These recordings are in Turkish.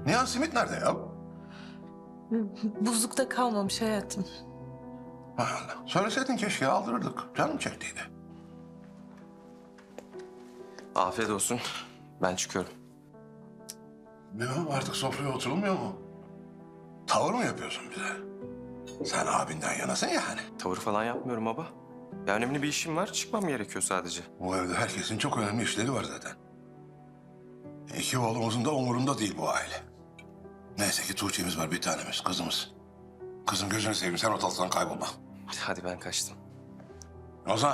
Nihan simit nerede ya? Buzlukta kalmamış hayatım. Hay Allah. Söyleseydin keşke aldırırdık. Canım çektiydi. Afiyet olsun. Ben çıkıyorum. Ne o? Artık sofraya oturulmuyor mu? Tavır mı yapıyorsun bize? Sen abinden yanasın ya hani. Tavır falan yapmıyorum baba. Ya önemli bir işim var. Çıkmam gerekiyor sadece. Bu evde herkesin çok önemli işleri var zaten. İki oğlumuzun da umurunda değil bu aile. Neyse ki Tuğçe'miz var, bir tanemiz, kızımız. Kızım gözünü seveyim, sen ortalıktan kaybolma. Hadi ben kaçtım. Ozan.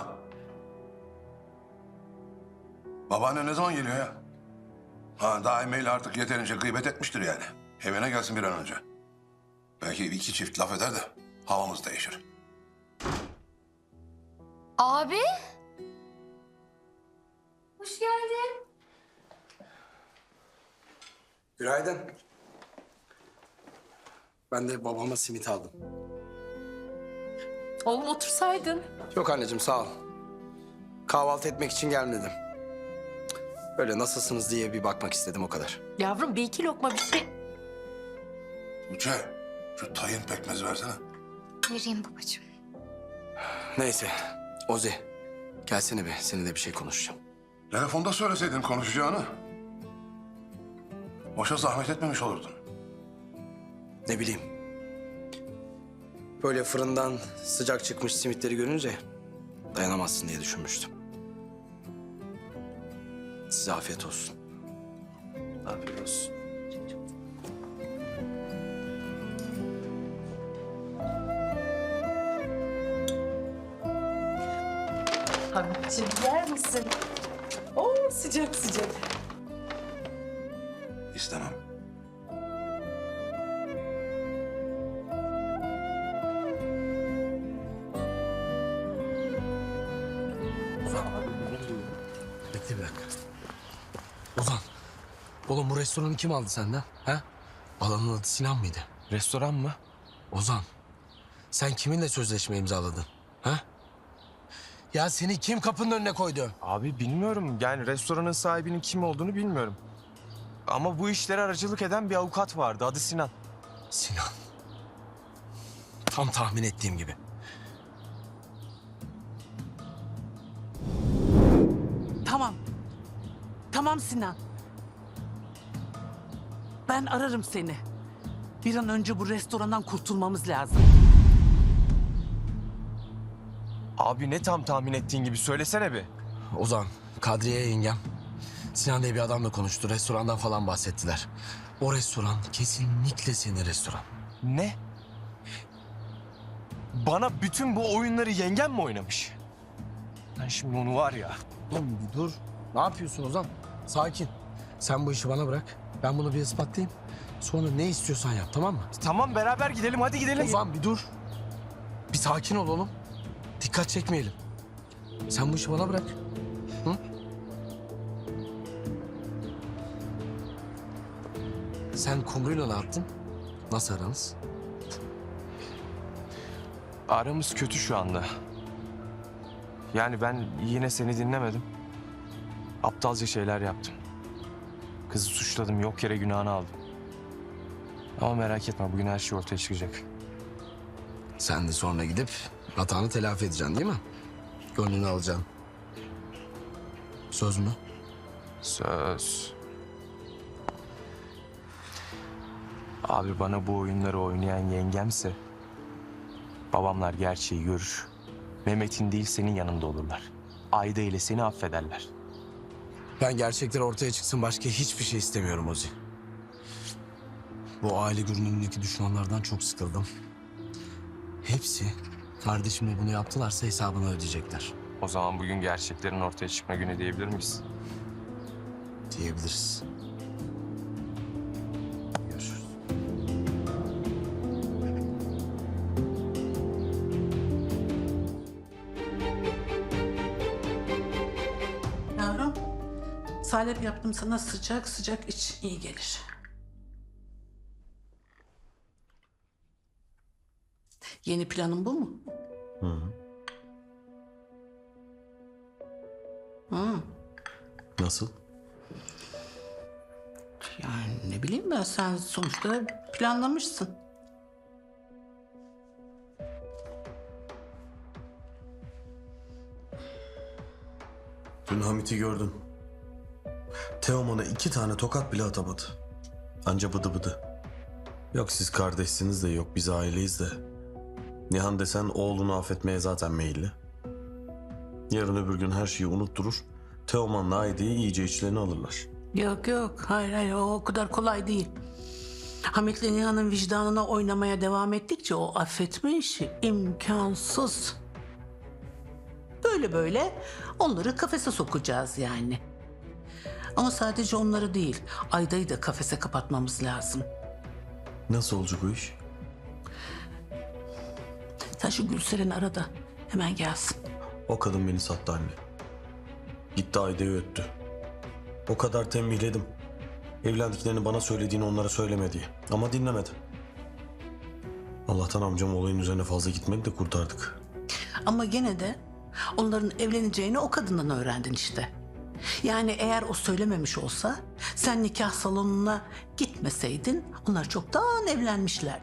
Babaanne ne zaman geliyor ya? Ha, daha emeğiyle artık yeterince gıybet etmiştir yani. Evine gelsin bir an önce. Belki iki çift laf eder de havamız değişir. Abi. Hoş geldin. Günaydın. Ben de babama simit aldım. Oğlum otursaydın. Yok anneciğim sağ ol. Kahvaltı etmek için gelmedim. Böyle nasılsınız diye bir bakmak istedim o kadar. Yavrum bir iki lokma bir şey. Tuğçe, şu tayin pekmezi versene. Vereyim babacığım. Neyse Ozi gelsene be seninle bir şey konuşacağım. Telefonda söyleseydin konuşacağını. Boşa zahmet etmemiş olurdun. Ne bileyim. Böyle fırından sıcak çıkmış simitleri görünce dayanamazsın diye düşünmüştüm. Size afiyet olsun. Afiyet olsun. Hamidciğim yer misin? Oo sıcak sıcak. İstemem. Bekle bir dakika. Ozan. Oğlum bu restoranı kim aldı senden? Ha? Alanın adı Sinan mıydı? Restoran mı? Ozan. Sen kiminle sözleşme imzaladın? Ha? Ya seni kim kapının önüne koydu? Abi bilmiyorum. Yani restoranın sahibinin kim olduğunu bilmiyorum. Ama bu işlere aracılık eden bir avukat vardı. Adı Sinan. Sinan. Tam tahmin ettiğim gibi. Tamam. Tamam Sinan. Ben ararım seni. Bir an önce bu restorandan kurtulmamız lazım. Abi ne tam tahmin ettiğin gibi söylesene bir. Ozan, Kadriye yengem. Sinan diye bir adamla konuştu. Restorandan falan bahsettiler. O restoran kesinlikle senin restoran. Ne? Bana bütün bu oyunları yengem mi oynamış? Ben şimdi onu var ya. Oğlum bir dur. Ne yapıyorsun Ozan? Sakin. Sen bu işi bana bırak. Ben bunu bir ispatlayayım. Sonra ne istiyorsan yap, tamam mı? Tamam beraber gidelim, hadi gidelim. Ozan bir dur. Bir sakin ol oğlum. Dikkat çekmeyelim. Sen bu işi bana bırak. Hı? Sen Kumru'yla ne yaptın? Nasıl aranız? Aramız kötü şu anda. Yani ben yine seni dinlemedim. Aptalca şeyler yaptım. Kızı suçladım, yok yere günahını aldım. Ama merak etme, bugün her şey ortaya çıkacak. Sen de sonra gidip hatanı telafi edeceksin değil mi? Gönlünü alacaksın. Söz mü? Söz. Abi bana bu oyunları oynayan yengemse... babamlar gerçeği görür. Mehmet'in değil senin yanında olurlar. Ayda ile seni affederler. Ben gerçekler ortaya çıksın başka hiçbir şey istemiyorum Ozi. Bu aile görünümündeki düşmanlardan çok sıkıldım. Hepsi kardeşimle bunu yaptılarsa hesabını ödeyecekler. O zaman bugün gerçeklerin ortaya çıkma günü diyebilir miyiz? Diyebiliriz. Görüşürüz. Yavrum, salep yaptım sana sıcak sıcak iç, iyi gelir. Yeni planın bu mu? Nasıl? Yani ne bileyim ben, sen sonuçta planlamışsın. Dün Hamit'i gördüm. Teoman'a 2 tane tokat bile atamadı. Anca bıdı bıdı. Yok siz kardeşsiniz de, yok biz aileyiz de. Nihan desen oğlunu affetmeye zaten meyilli. Yarın öbür gün her şeyi unutturur. Teoman'la Aide'yi iyice içlerine alırlar. Yok yok, hayır o kadar kolay değil. Hamit'le Nihan'ın vicdanına oynamaya devam ettikçe o affetme işi imkansız. Böyle böyle onları kafese sokacağız yani. Ama sadece onları değil, Ayda'yı da kafese kapatmamız lazım. Nasıl olacak o iş? Sen şu Gülseren'i ara da hemen gelsin. O kadın beni sattı anne. Gitti Aide'yi öttü. O kadar tembihledim. Evlendiklerini bana söylediğini onlara söyleme diye. Ama dinlemedi. Allah'tan amcam olayın üzerine fazla gitmedi de kurtardık. Ama gene de onların evleneceğini o kadından öğrendin işte. Yani eğer o söylememiş olsa, sen nikah salonuna gitmeseydin onlar çoktan evlenmişler.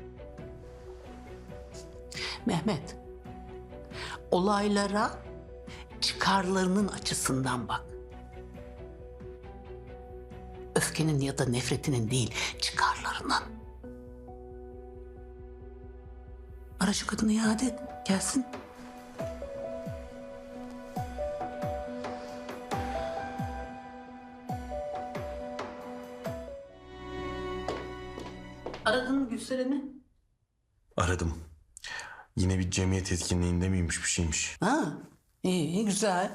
Mehmet, olaylara çıkarlarının açısından bak. Öfkenin ya da nefretinin değil, çıkarlarının. Ara şu kadını iade et, gelsin. Aradın mı Gülseren'i? Aradım. Yine bir cemiyet etkinliğinde miymiş, bir şeymiş. Ha, iyi, güzel.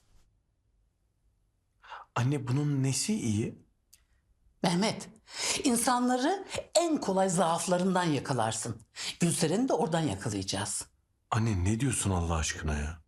Anne bunun nesi iyi? Mehmet, insanları en kolay zaaflarından yakalarsın. Gülseren'i de oradan yakalayacağız. Anne ne diyorsun Allah aşkına ya?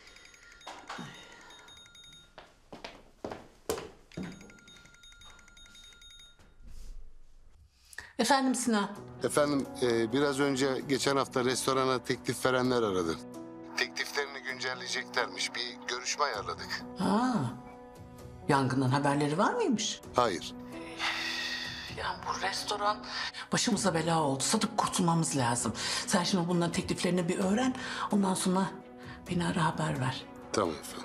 Efendim Sinan? Efendim biraz önce geçen hafta restorana teklif verenler aradı. Tekliflerini güncelleyeceklermiş. Bir görüşme ayarladık. Ha, yangından haberleri var mıymış? Hayır. Ya bu restoran başımıza bela oldu. Satıp kurtulmamız lazım. Sen şimdi bunların tekliflerini bir öğren. Ondan sonra beni ara, haber ver. Tamam efendim.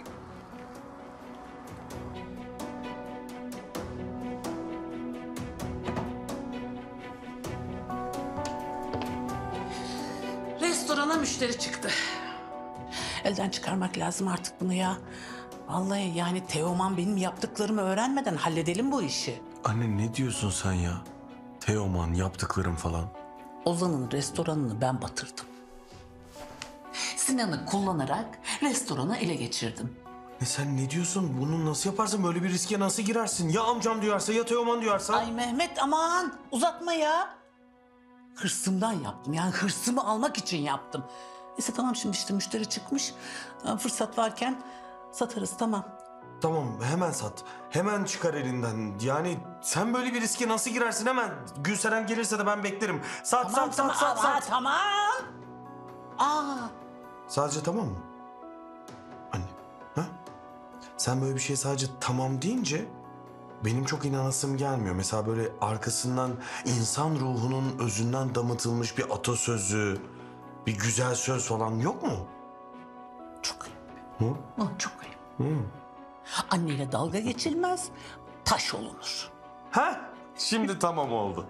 Restorana müşteri çıktı. Elden çıkarmak lazım artık bunu ya. Vallahi yani Teoman benim yaptıklarımı öğrenmeden halledelim bu işi. Anne ne diyorsun sen ya? Teoman yaptıklarım falan. Ozan'ın restoranını ben batırdım. Sinan'ı kullanarak restoranı ele geçirdim. Sen ne diyorsun? Bunu nasıl yaparsın? Böyle bir riske nasıl girersin? Ya amcam duyarsa ya Teoman duyarsa? Ay Mehmet aman uzatma ya. Hırsımdan yaptım, yani hırsımı almak için yaptım. Neyse tamam, şimdi işte müşteri çıkmış. Fırsat varken satarız, tamam. Tamam hemen sat. Hemen çıkar elinden. Yani sen böyle bir riske nasıl girersin hemen? Gülseren gelirse de ben beklerim. Sat Tamam sat tamam sat sat aa, sat. tamam. Aa, Sadece tamam mı? Anne. Ha? Sen böyle bir şey sadece tamam deyince benim çok inanasım gelmiyor. Mesela böyle arkasından insan ruhunun özünden damıtılmış bir atasözü, bir güzel söz falan yok mu? çok ayıp. Hı? Çok ayıp. Hı. Anneyle dalga geçilmez, taş olunur. Ha? Şimdi tamam oldu.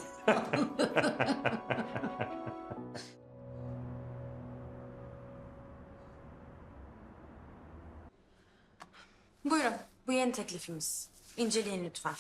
Buyurun, bu yeni teklifimiz. İnceleyin lütfen.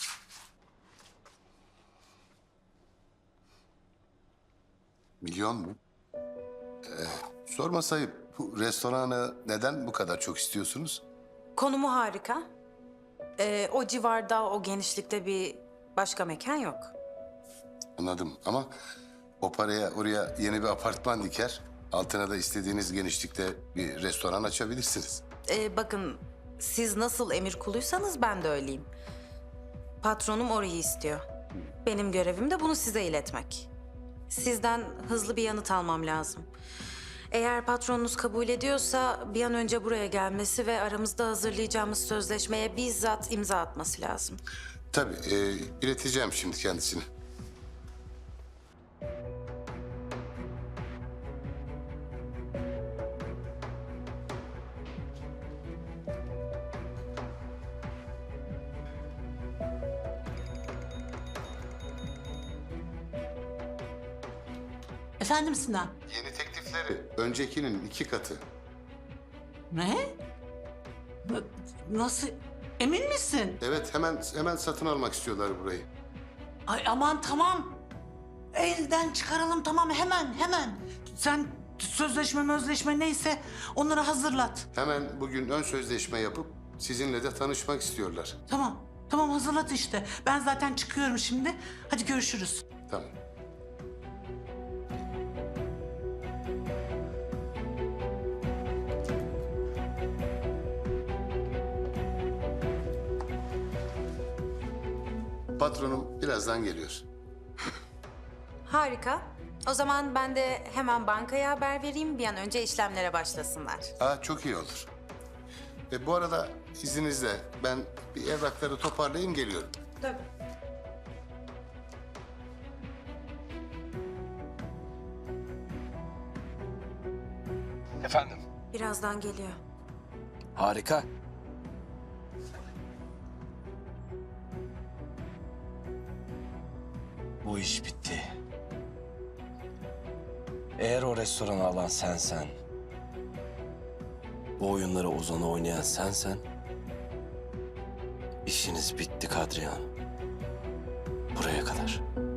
Milyon mu? Sorma sayıp bu restoranı neden bu kadar çok istiyorsunuz? Konumu harika. O civarda, o genişlikte bir başka mekan yok. Anladım ama o paraya oraya yeni bir apartman diker. Altına da istediğiniz genişlikte bir restoran açabilirsiniz. Bakın, siz nasıl emir kuluysanız ben de öyleyim. Patronum orayı istiyor. Benim görevim de bunu size iletmek. Sizden hızlı bir yanıt almam lazım. Eğer patronunuz kabul ediyorsa bir an önce buraya gelmesi ve aramızda hazırlayacağımız sözleşmeye bizzat imza atması lazım. Tabii, ileteceğim şimdi kendisine. Efendim Sinan? Yeni teklifleri öncekinin 2 katı. Ne? Nasıl? Emin misin? Evet, hemen satın almak istiyorlar burayı. Ay aman tamam. Elden çıkaralım tamam hemen. Sen sözleşme neyse onları hazırlat. Hemen bugün ön sözleşme yapıp sizinle de tanışmak istiyorlar. Tamam hazırlat işte. Ben zaten çıkıyorum şimdi. Hadi görüşürüz. Tamam. Patronum birazdan geliyor. Harika. O zaman ben de hemen bankaya haber vereyim. Bir an önce işlemlere başlasınlar. Çok iyi olur. Bu arada izninizle ben bir evrakları toparlayayım geliyorum. Tabii. Efendim? Birazdan geliyor. Harika. Bu iş bitti. Eğer o restoranı alan sensen, bu oyunları Ozan'a oynayan sensen, işiniz bitti Kadriye Hanım. Buraya kadar.